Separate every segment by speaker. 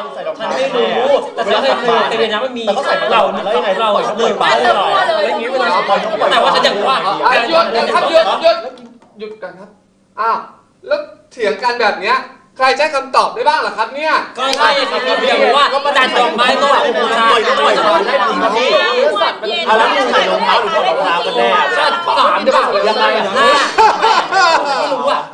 Speaker 1: ฉันไม่รู้แต่ฉันเคยเรียนนะมันมีเราเลยป้าเลยอย่างนี้เวลาแต่ว่าฉันอยากว่า
Speaker 2: หยุดกันครับอ้าวแล้วเถียงกันแบบเนี้ยใครใช้คำตอบได้บ้างล่ะครับเนี่ย
Speaker 1: ก็ใช่ครับพี่อยากรู้ว่าจานดอกไม้ต้นบูชาต้นได้จริงครับพี่
Speaker 3: แล้วมึงใส่รองเท้าหรือถอดรองเท้ากันแน่
Speaker 1: 3ได้ป่ะยังไงนะไม่รู้อ่ะ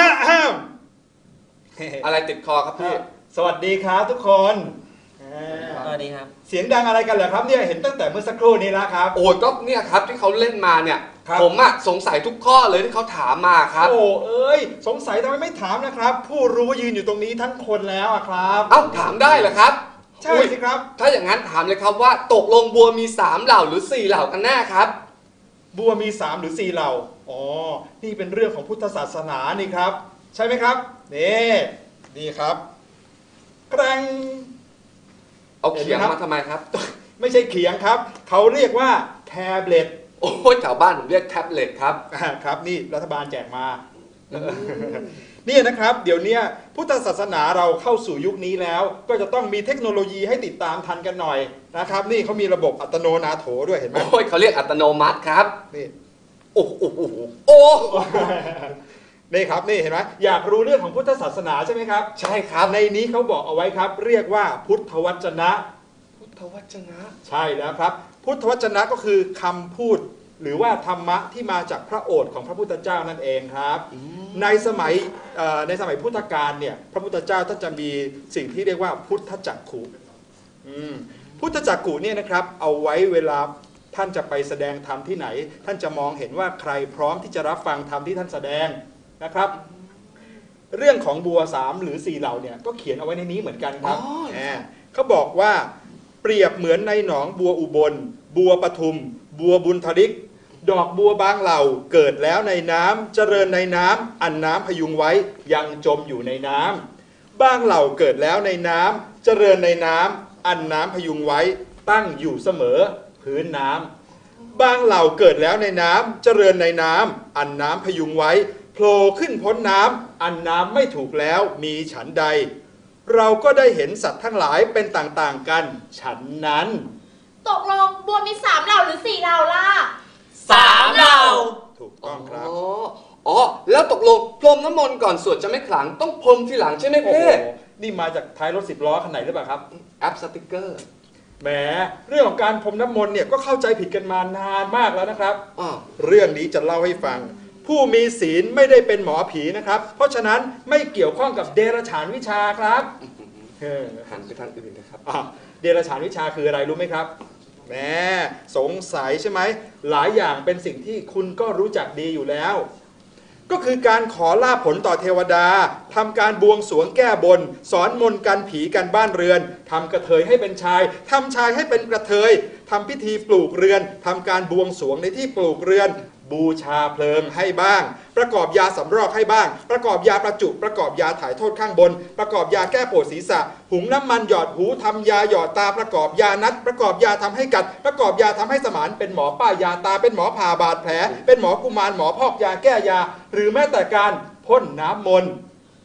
Speaker 2: อะไรติดคอครับพี่
Speaker 3: สวัสดีครับทุกคน
Speaker 1: สวัสดีครับ
Speaker 3: เสียงดังอะไรกันเหรอครับเนี่ยเห็นตั้งแต่เมื่อสักครู่นี้แล้วครับ
Speaker 2: โอ้ก็เนี่ยครับที่เขาเล่นมาเนี่ยผมอะสงสัยทุกข้อเลยที่เขาถามมาครับ
Speaker 3: โอ้เอ้ยสงสัยทำไมไม่ถามนะครับผู้รู้ยืนอยู่ตรงนี้ทั้งคนแล้วครับ
Speaker 2: เอ้าถามได้เหรอครับ
Speaker 3: ใช่สิครับ
Speaker 2: ถ้าอย่างนั้นถามเลยครับว่าตกลงบัวมี3เหล่าหรือ4เหล่ากันแน่ครับ
Speaker 3: บัวมี3หรือ4เหล่าอ๋อนี่เป็นเรื่องของพุทธศาสนานี่ครับใช่ไหมครับนี่ครับแกร่ง
Speaker 2: เอาเขียงมาทำไมครับ
Speaker 3: ไม่ใช่เขียงครับเขาเรียกว่าแท็บเล็ต
Speaker 2: โอ้ยแถวบ้านผมเรียกแท็บเล็ตครับ
Speaker 3: ครับนี่รัฐบาลแจกมานี่นะครับเดี๋ยวนี้พุทธศาสนาเราเข้าสู่ยุคนี้แล้วก็จะต้องมีเทคโนโลยีให้ติดตามทันกันหน่อยนะครับนี่เขามีระบบอัตโนนาโถด้วยเห็นไหม
Speaker 2: โอ้ยเขาเรียกอัตโนมัติครับ
Speaker 3: นี่
Speaker 2: โอ้
Speaker 3: นี่ครับนี่เห็นไหมอยากรู้เรื่องของพุทธศาสนาใช่ไหมครับ
Speaker 2: ใช่ครับ
Speaker 3: ในนี้เขาบอกเอาไว้ครับเรียกว่าพุทธวจนะ
Speaker 2: พุทธวจนะ
Speaker 3: ใช่แล้วครับพุทธวจนะก็คือคำพูดหรือว่าธรรมะที่มาจากพระโอษฐ์ของพระพุทธเจ้านั่นเองครับในสมัยพุทธกาลเนี่ยพระพุทธเจ้าท่านจะมีสิ่งที่เรียกว่าพุทธจักขุพุทธจักขุเนี่ยนะครับเอาไว้เวลาท่านจะไปแสดงธรรมที่ไหนท่านจะมองเห็นว่าใครพร้อมที่จะรับฟังธรรมที่ท่านแสดงนะครับเรื่องของบัว3หรือ4เหล่าเนี่ยก็เขียนเอาไว้ในนี้เหมือนกันครับเขาบอกว่าเปรียบเหมือนในหนองบัวอุบลบัวปทุมบัวบุญทริกดอกบัวบางเหล่าเกิดแล้วในน้ำเจริญในน้ำอันน้ำพยุงไว้ยังจมอยู่ในน้ำบางเหล่าเกิดแล้วในน้ำเจริญในน้ำอันน้ำพยุงไว้ตั้งอยู่เสมอพื้นน้ำบางเหล่าเกิดแล้วในน้ำเจริญในน้ำอันน้ำพยุงไว้โผล่ขึ้นพ้นน้ำอันน้ำไม่ถูกแล้วมีฉันใดเราก็ได้เห็นสัตว์ทั้งหลายเป็นต่างๆกันฉันนั้น
Speaker 4: ตกลงบัวมี3เหล่าหรือ4เหล่าล่ะ
Speaker 1: 3เหล่า
Speaker 3: ถูกต้องครับ
Speaker 2: อ๋อแล้วตกลงพรมน้ำมนต์ก่อนสวดจะไม่ขลังต้องพรมทีหลังใช่ไหมพี่
Speaker 3: นี่มาจากท้ายรถ10 ล้อคันไหนหรือเปล่าครับ
Speaker 2: แอปสติกเกอร์
Speaker 3: แหมเรื่องของการพรมน้ำมนต์เนี่ยก็เข้าใจผิดกันมานานมากแล้วนะครับเรื่องนี้จะเล่าให้ฟังผู้มีศีลไม่ได้เป็นหมอผีนะครับเพราะฉะนั้นไม่เกี่ยวข้องกับเดรัจฉานวิชาครับ
Speaker 2: หันไปทางอื่นนะครับ
Speaker 3: เดรัจฉานวิชาคืออะไรรู้ไหมครับแหมสงสัยใช่ไหมหลายอย่างเป็นสิ่งที่คุณก็รู้จักดีอยู่แล้วก็คือการขอลาภผลต่อเทวดาทำการบวงสรวงแก้บนสอนมนต์กันผีกันบ้านเรือนทำกระเทยให้เป็นชายทำชายให้เป็นกระเทยทำพิธีปลูกเรือนทำการบวงสรวงในที่ปลูกเรือนบูชาเพลิงให้บ้างประกอบยาสำรอกให้บ้างประกอบยาประจุประกอบยาถ่ายโทษข้างบนประกอบยาแก้ปวดศีรษะหุงน้ำมันหยอดหูทำยาหยอดตาประกอบยานัดประกอบยาทำให้กัดประกอบยาทำให้สมานเป็นหมอป้ายยาตาเป็นหมอผ่าบาดแผลเป็นหมอกุมารหมอพอกยาแก้ยาหรือแม้แต่การพ่นน้ำมนต์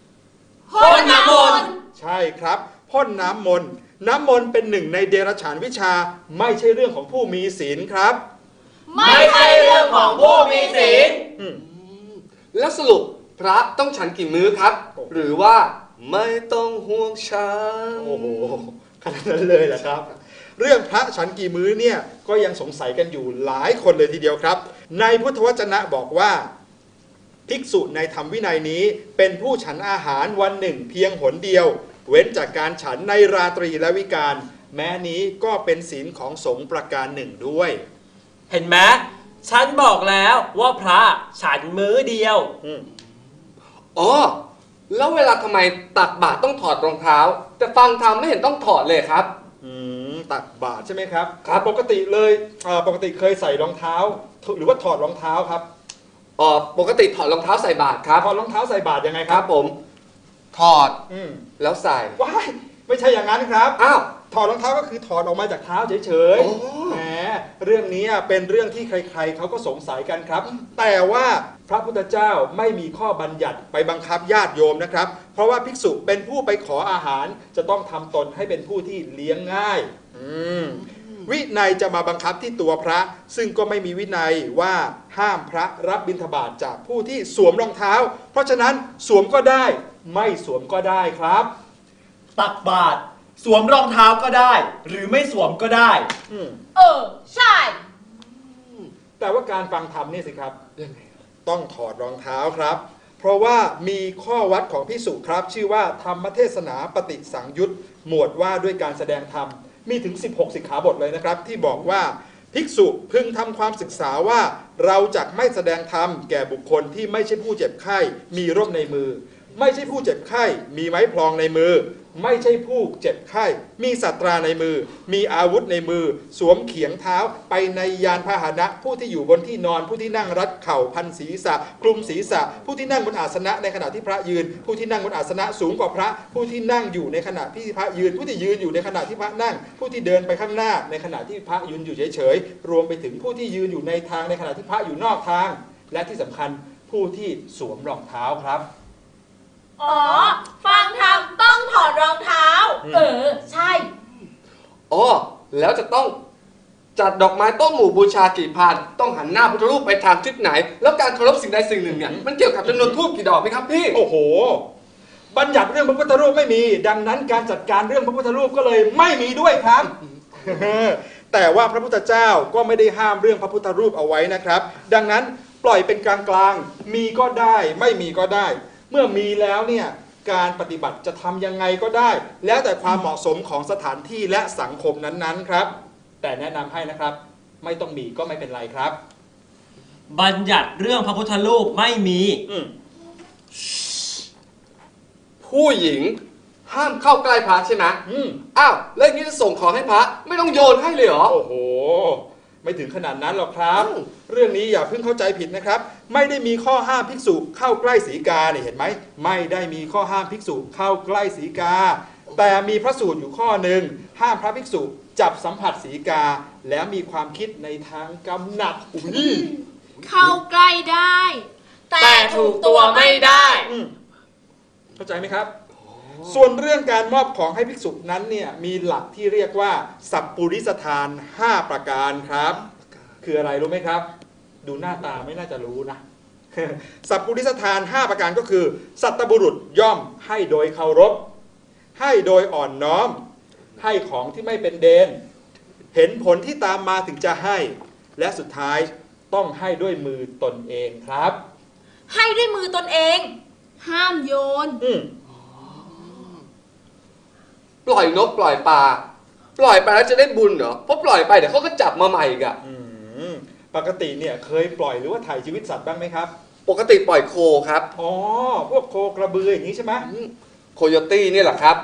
Speaker 3: ใช่ครับพ่นน้ำมนต์น้ำมนต์เป็นหนึ่งในเดรัจฉานวิชาไม่ใช่เรื่องของผู้มีศีลครับ
Speaker 1: ไม่ใช่เรื่องของผู้มีศีล
Speaker 2: แล้วสรุปพระต้องฉันกี่มื้อครับหรือว่าไม่ต้องห่วงฉัน
Speaker 3: โอ้โหขนาดนั้นเลยเหรอครับเรื่องพระฉันกี่มื้อเนี่ยก็ยังสงสัยกันอยู่หลายคนเลยทีเดียวครับในพุทธวจนะบอกว่าภิกษุในธรรมวินัยนี้เป็นผู้ฉันอาหารวันหนึ่งเพียงหนเดียวเว้นจากการฉันในราตรีและวิกาลแม้นี้ก็เป็นศีลของสงฆ์ประการหนึ่งด้วย
Speaker 1: เห็นไหมฉันบอกแล้วว่าพระฉันมื้อเดียว
Speaker 2: อ๋อแล้วเวลาทำไมตักบาตรต้องถอดรองเท้าแต่ฟังธรรมไม่เห็นต้องถอดเลยครับ
Speaker 3: ตักบาตรใช่ไหมครับครับปกติเลยปกติเคยใส่รองเท้าหรือว่าถอดรองเท้าครับ
Speaker 2: ปกติถอดรองเท้าใส่บาตรครับ
Speaker 3: ถอดรองเท้าใส่บาตรยังไงครับ
Speaker 2: ผมถอดแล้วใส่
Speaker 3: ว้ายไม่ใช่อย่างนั้นครับ
Speaker 2: อ้าว
Speaker 3: ถอดรองเท้าก็คือถอดออกมาจากเท้าเฉยๆแหมเรื่องนี้เป็นเรื่องที่ใครๆเขาก็สงสัยกันครับแต่ว่าพระพุทธเจ้าไม่มีข้อบัญญัติไปบังคับญาติโยมนะครับเพราะว่าภิกษุเป็นผู้ไปขออาหารจะต้องทำตนให้เป็นผู้ที่เลี้ยงง่ายวินัยจะมาบังคับที่ตัวพระซึ่งก็ไม่มีวินัยว่าห้ามพระรับบิณฑบาตจากผู้ที่สวมรองเท้าเพราะฉะนั้นสวมก็ได้ไม่สวมก็ได้ครับ
Speaker 5: ตักบาตรสวมรองเท้าก็ได้หรือไม่สวมก็ได้
Speaker 4: ใช่
Speaker 3: แต่ว่าการฟังธรรมนี่สิครับต้องถอดรองเท้าครับเพราะว่ามีข้อวัดของภิกษุครับชื่อว่าธรรมเทศนาปฏิสังยุตหมวดว่าด้วยการแสดงธรรมมีถึง16สิกขาบทเลยนะครับที่บอกว่าภิกษุพึงทำความศึกษาว่าเราจักไม่แสดงธรรมแก่บุคคลที่ไม่ใช่ผู้เจ็บไข้มีร่มในมือไม่ใช่ผู้เจ็บไข้มีไม้พลองในมือไม่ใช่ผู้เจ็บไข้มีสัตราในมือมีอาวุธในมือสวมเขียงเท้าไปในยานพาหนะผู้ที่อยู่บนที่นอนผู้ที่นั่งรัดเข่าพันศีรษะคลุมศีรษะผู้ที่นั่งบนอาสนะในขณะที่พระยืนผู้ที่นั่งบนอาสนะสูงกว่าพระผู้ที่นั่งอยู่ในขณะที่พระยืนผู้ที่ยืนอยู่ในขณะที่พระนั่งผู้ที่เดินไปข้างหน้าในขณะที่พระยืนอยู่เฉยๆรวมไปถึงผู้ที่ยืนอยู่ในทางในขณะที่พระอยู่นอกทางและที่สำคัญผู้ที่สวมรองเท้าครับ
Speaker 4: ฟังธรรมต้องถอดรองเท้าใช่
Speaker 2: แล้วจะต้องจัดดอกไม้ต้นหมู่บูชากี่พันต้องหันหน้าพุทธรูปไปทางทิศไหนแล้วการเคารพสิ่งใดสิ่งหนึ่งเนี่ยมันเกี่ยวกับจำนวนธูปกี่ดอกไหมครับพี่
Speaker 3: โอ้โหบัญญัติเรื่องพระพุทธรูปไม่มีดังนั้นการจัดการเรื่องพระพุทธรูปก็เลยไม่มีด้วยครับ แต่ว่าพระพุทธเจ้าก็ไม่ได้ห้ามเรื่องพระพุทธรูปเอาไว้นะครับดังนั้นปล่อยเป็นกลางๆมีก็ได้ไม่มีก็ได้เมื่อมีแล้วเนี่ยการปฏิบัติจะทำยังไงก็ได้แล้วแต่ความเหมาะสมของสถานที่และสังคมนั้นๆครับแต่แนะนำให้นะครับไม่ต้องมีก็ไม่เป็นไรครับ
Speaker 1: บัญญัติเรื่องพระพุทธรูปไม่มี
Speaker 2: ผู้หญิงห้ามเข้าใกล้พระใช่ไหมอ้าวแล้วอย่างนี้จะส่งของให้พระไม่ต้องโยนให้เลยเหรอ
Speaker 3: โอ้โหไม่ถึงขนาดนั้นหรอกครับเรื่องนี้อย่าเพิ่งเข้าใจผิดนะครับไม่ได้มีข้อห้ามภิกษุเข้าใกล้สีกาเนี่ยเห็นไหมไม่ได้มีข้อห้ามภิกษุเข้าใกล้สีกาแต่มีพระสูตรอยู่ข้อหนึ่งห้ามพระภิกษุจับสัมผัสสีกาแล้วมีความคิดในทางกำหนัด
Speaker 4: เข้าใกล้ได้แต่ถูกตัวไม่ได้
Speaker 3: เข้าใจไหมครับส่วนเรื่องการมอบของให้ภิกษุนั้นเนี่ยมีหลักที่เรียกว่าสัพปุริสทาน5ประการครับคืออะไรรู้ไหมครับดูหน้าตาไม่น่าจะรู้นะ สัพปุริสทาน5ประการก็คือสัตบุรุษย่อมให้โดยเคารพให้โดยอ่อนน้อมให้ของที่ไม่เป็นเดนเห็นผลที่ตามมาถึงจะให้และสุดท้ายต้องให้ด้วยมือตนเองครับ
Speaker 4: ให้ด้วยมือตนเองห้ามโยน
Speaker 2: ปล่อยนกปล่อยปลาปล่อยไปแล้วจะได้บุญเหรอเพราะปล่อยไปเดี๋ยวเขาก็จับมาใหม่อีกอะ
Speaker 3: ปกติเนี่ยเคยปล่อยหรือว่าถ่ายชีวิตสัตว์บ้างไหมครับ
Speaker 2: ปกติปล่อยโคครับ
Speaker 3: พวกโคกระบืออย่างนี้ใช่ไหม
Speaker 2: โคโยตี้นี่แหละครับ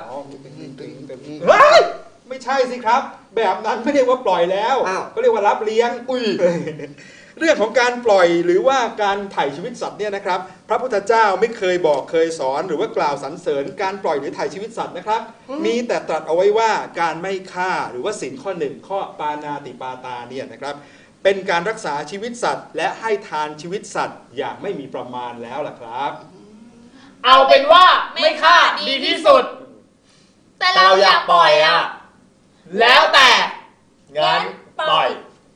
Speaker 3: ไม่ใช่สิครับแบบนั้นไม่เรียกว่าปล่อยแล้วก็เรียกว่ารับเลี้ยงเรื่องของการปล่อยหรือว่าการถ่ายชีวิตสัตว์เนี่ยนะครับพระพุทธเจ้าไม่เคยบอกเคยสอนหรือว่ากล่าวสรรเสริญการปล่อยหรือถ่ายชีวิตสัตว์นะครับมีแต่ตรัสเอาไว้ว่าการไม่ฆ่าหรือว่าศีลข้อ1ข้อปานาติปาตาเนี่ยนะครับเป็นการรักษาชีวิตสัตว์และให้ทานชีวิตสัตว์อย่างไม่มีประมาณแล้วล่ะครับ
Speaker 5: เอาเป็นว่าไม่ฆ่าดีที่สุด
Speaker 4: แต่เราอยากปล่อยอ่ะ
Speaker 5: แล้วแต่งั้นปล่อย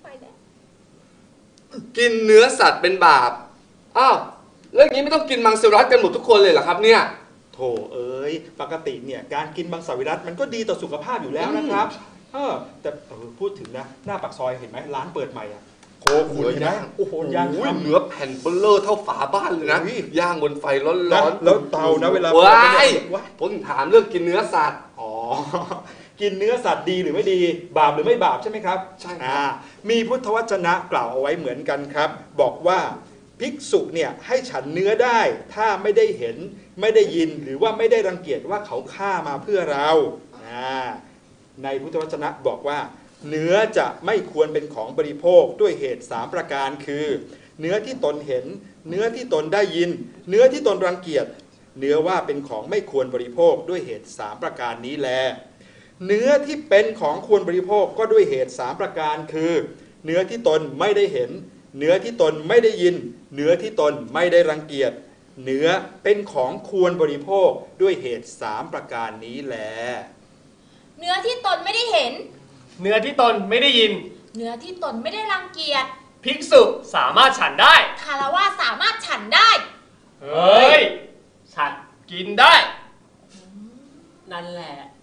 Speaker 2: กินเนื้อสัตว์เป็นบาปแล้วอย่างนี้ไม่ต้องกินมังสวิรัติกันหมดทุกคนเลยเหรอครับเนี่ย
Speaker 3: โถเอ้ยปกติเนี่ยการกินมังสวิรัติมันก็ดีต่อสุขภาพอยู่แล้วนะครับแต่พูดถึงนะหน้าปากซอยเห็นไหมร้านเปิดใหม่อ่ะโคขุนนะโอ้โหย่าง
Speaker 2: เนื้อแผ่นเบลเลอร์เท่าฝาบ้านเลยนะย่างบนไฟร้อน
Speaker 3: แล้วเตานะเวลา
Speaker 2: ผมถามเรื่องกินเนื้อสัตว์
Speaker 3: กินเนื้อสัตว์ดีหรือไม่ดีบาปหรือไม่บาปใช่ไหมครับ
Speaker 2: ใช่ครับ
Speaker 3: มีพุทธวจนะกล่าวเอาไว้เหมือนกันครับบอกว่าภิกษุเนี่ยให้ฉันเนื้อได้ถ้าไม่ได้เห็นไม่ได้ยินหรือว่าไม่ได้รังเกียจว่าเขาฆ่ามาเพื่อเราในพุทธวจนะบอกว่าเนื้อจะไม่ควรเป็นของบริโภคด้วยเหตุ3ประการคือเนื้อที่ตนเห็นเนื้อที่ตนได้ยินเนื้อที่ตนรังเกียจเนื้อว่าเป็นของไม่ควรบริโภคด้วยเหตุ3ประการนี้แลเนื้อที่เป็นของควรบริโภคก็ด้วยเหตุ3ประการคือเนื้อที่ตนไม่ได้เห็นเนื้อที่ตนไม่ได้ยินเนื้อที่ตนไม่ได้รังเกียจเนื้อเป็นของควรบริโภคด้วยเหตุ3ประการนี้แล
Speaker 4: เนื้อที่ตนไม่ได้เห็น
Speaker 6: เนื้อที่ตนไม่ได้ยิน
Speaker 4: เนื้อที่ตนไม่ได้รังเกียจ
Speaker 6: ภิกษุสามารถฉันได้
Speaker 4: คารวะสามารถฉันได้
Speaker 6: เฮ้ย ฉันกินได้
Speaker 1: นั่นแหละ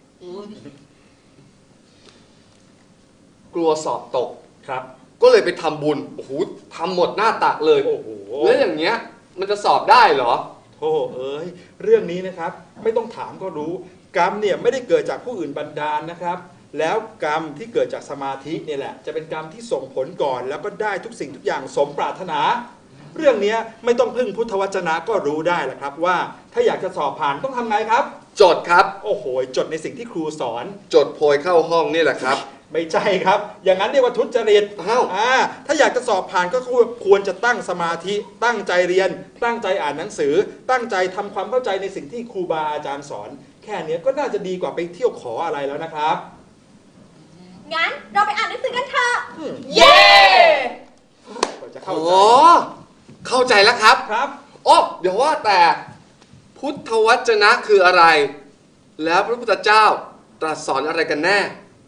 Speaker 2: กลัวสอบตก
Speaker 3: ครับ
Speaker 2: ก็เลยไปทำบุญโอ้โหทำหมดหน้าตักเลย
Speaker 3: โอ้โห
Speaker 2: แล้วอย่างเงี้ยมันจะสอบได้เหรอ
Speaker 3: โธ่เอ้ยเรื่องนี้นะครับไม่ต้องถามก็รู้ กรรมเนี่ยไม่ได้เกิดจากผู้อื่นบันดาลนะครับ แล้วกรรมที่เกิดจากสมาธิเนี่ยแหละจะเป็นกรรมที่ส่งผลก่อน แล้วก็ได้ทุกสิ่งทุกอย่างสมปรารถนา เรื่องนี้ไม่ต้องพึ่งพุทธวจนะก็รู้ได้แหละครับว่าถ้าอยากจะสอบผ่านต้องทำไงครับ
Speaker 2: จดครับ
Speaker 3: โอ้โหจดในสิ่งที่ครูสอน
Speaker 2: จดโพยเข้าห้องนี่แหละครับ
Speaker 3: ไม่ใช่ครับ อย่างนั้นเรียกว่าทุจริต
Speaker 2: อ้าว
Speaker 3: ถ้าอยากจะสอบผ่านก็ควรจะตั้งสมาธิ ตั้งใจเรียน ตั้งใจอ่านหนังสือ ตั้งใจทำความเข้าใจในสิ่งที่ครูบาอาจารย์สอน แค่นี้ก็น่าจะดีกว่าไปเที่ยวขออะไรแล้วนะครับ
Speaker 4: งั้นเราไปอ่านหนังสือกันเถอะ
Speaker 3: เย้ก็จะเข้า
Speaker 2: อ๋
Speaker 3: ใจ
Speaker 2: อเข้าใจแล้วครับ
Speaker 3: ครับ
Speaker 2: อ๋อเดี๋ยวว่าแต่พุทธวจนะคืออะไร แล้วพระพุทธเจ้าตรัสสอนอะไรกันแน่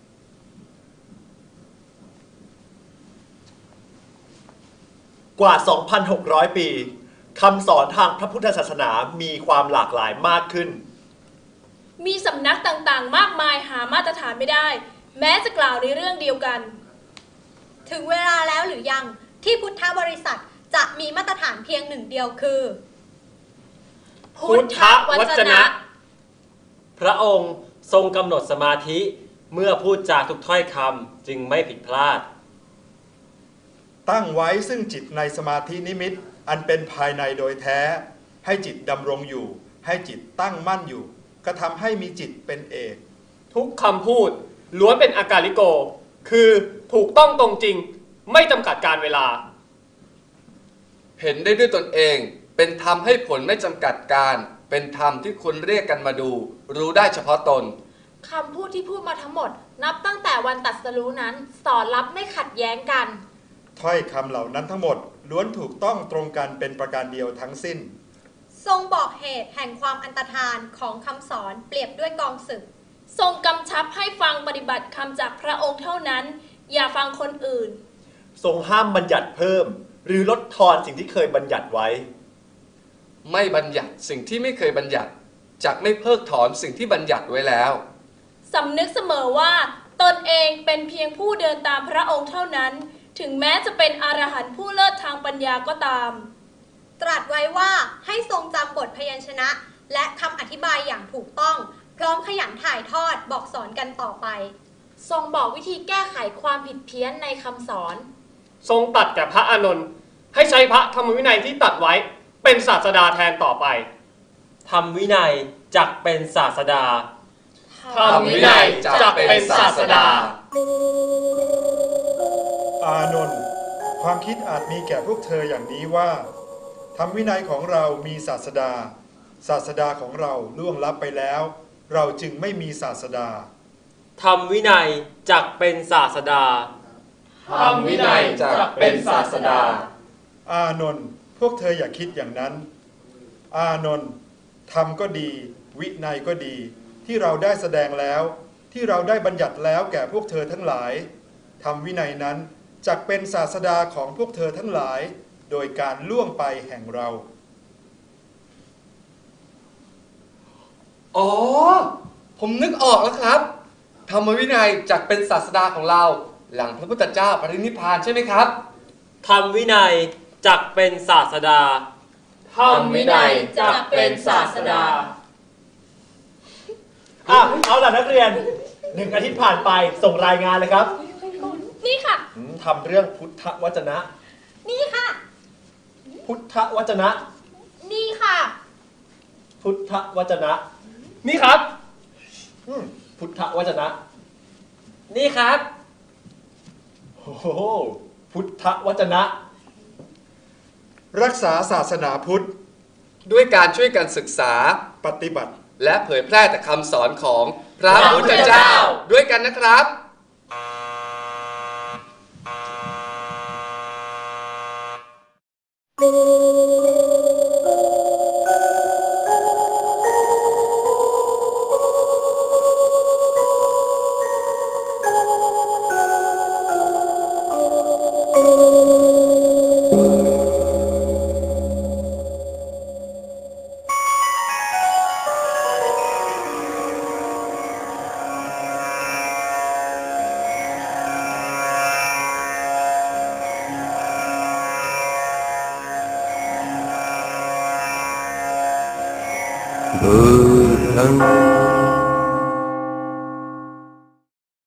Speaker 5: กว่า 2,600 ปีคำสอนทางพระพุทธศาสนามีความหลากหลายมากขึ้น
Speaker 7: มีสำนักต่างๆ มากมายหามาตรฐานไม่ได้ แม้จะกล่าวในเรื่องเดียวกัน
Speaker 8: ถึงเวลาแล้วหรือยังที่พุทธบริษัทจะมีมาตรฐานเพียงหนึ่งเดียวคือ
Speaker 6: พุทธวจนะ
Speaker 1: พระองค์ทรงกำหนดสมาธิเมื่อพูดจาทุกถ้อยคำจึงไม่ผิดพลาด
Speaker 3: ตั้งไว้ซึ่งจิตในสมาธินิมิตอันเป็นภายในโดยแท้ ให้จิตดำรงอยู่ ให้จิตตั้งมั่นอยู่กระทำให้มีจิตเป็นเอก
Speaker 6: ทุกคำพูดล้วนเป็นอาการลิโก คือถูกต้องตรงจริง ไม่จำกัดการเวลา
Speaker 2: เห็นได้ด้วยตนเองเป็นธรรมให้ผลไม่จำกัดการ เป็นธรรมที่คนเรียกกันมาดู รู้ได้เฉพาะตน
Speaker 7: คำพูดที่พูดมาทั้งหมด นับตั้งแต่วันตรัสรู้นั้น สอนรับไม่ขัดแย้งกัน
Speaker 3: ถ้อยคำเหล่านั้นทั้งหมดล้วนถูกต้องตรงกันเป็นประการเดียวทั้งสิ้น
Speaker 8: ทรงบอกเหตุแห่งความอันตรธานของคำสอนเปรียบด้วยกองศึก
Speaker 7: ทรงกำชับให้ฟังปฏิบัติคำจากพระองค์เท่านั้น อย่าฟังคนอื่น
Speaker 5: ทรงห้ามบัญญัติเพิ่ม หรือลดทอนสิ่งที่เคยบัญญัติไว้
Speaker 2: ไม่บัญญัติสิ่งที่ไม่เคยบัญญัติจักไม่เพิกถอนสิ่งที่บัญญัติไว้แล้ว
Speaker 7: สำนึกเสมอว่าตนเองเป็นเพียงผู้เดินตามพระองค์เท่านั้น ถึงแม้จะเป็นอรหันต์ผู้เลิศทางปัญญาก็ตาม
Speaker 8: ตรัสไว้ว่าให้ทรงจำบทพยัญชนะ และคำอธิบายอย่างถูกต้อง พร้อมขยันถ่ายทอดบอกสอนกันต่อไป
Speaker 7: ทรงบอกวิธีแก้ไขความผิดเพี้ยนในคำสอน
Speaker 6: ทรงตัดแก่พระอานนท์ให้ใช้พระธรรมวินัยที่ตัดไว้เป็นศาสดาแทนต่อไป
Speaker 1: ธรรมวินัยจักเป็นศาสดา
Speaker 6: ธรรมวินัยจักเป็นศาสดา
Speaker 3: อานนท์ความคิดอาจมีแก่พวกเธออย่างนี้ว่าธรรมวินัยของเรามีศาสดา ศาสดาของเราล่วงลับไปแล้ว เราจึงไม่มีศาสดา
Speaker 1: ธรรมวินัยจักเป็นศาสดา
Speaker 6: ธรรมวินัยจักเป็นศาสดา
Speaker 3: อานนท์พวกเธออย่าคิดอย่างนั้น อานนท์ธรรมก็ดี วินัยก็ดี ที่เราได้แสดงแล้ว ที่เราได้บัญญัติแล้วแก่พวกเธอทั้งหลายธรรมวินัยนั้นจักเป็นศาสดาของพวกเธอทั้งหลาย โดยการล่วงไปแห่งเรา
Speaker 2: อ๋อ ผมนึกออกแล้วครับ ธรรมวินัยจักเป็นศาสดาของเรา หลังพระพุทธเจ้าปรินิพพานใช่ไหมครับ
Speaker 1: ธรรมวินัยจักเป็นศาสดา
Speaker 6: ธรรมวินัยจักเป็นศาสดา
Speaker 5: เอาล่ะนักเรียน1 อาทิตย์ผ่านไปส่งรายงานเลยครับ
Speaker 7: นี่ค่ะ
Speaker 5: ทำเรื่องพุทธวจนะ
Speaker 8: นี่ค่ะ
Speaker 5: พุทธวจนะ
Speaker 8: นี่ค่ะ
Speaker 5: พุทธวจนะ
Speaker 6: นี่ครับ
Speaker 5: พุทธวจนะ
Speaker 1: นี่ครับ
Speaker 5: โอ้โหพุทธวจนะ
Speaker 3: รักษาศาสนาพุทธ
Speaker 2: ด้วยการช่วยกันศึกษา
Speaker 3: ปฏิบัติ
Speaker 2: และเผยแพร่แต่คำสอนของพระพุทธเจ้า ด้วยกันนะครับ
Speaker 9: Buddham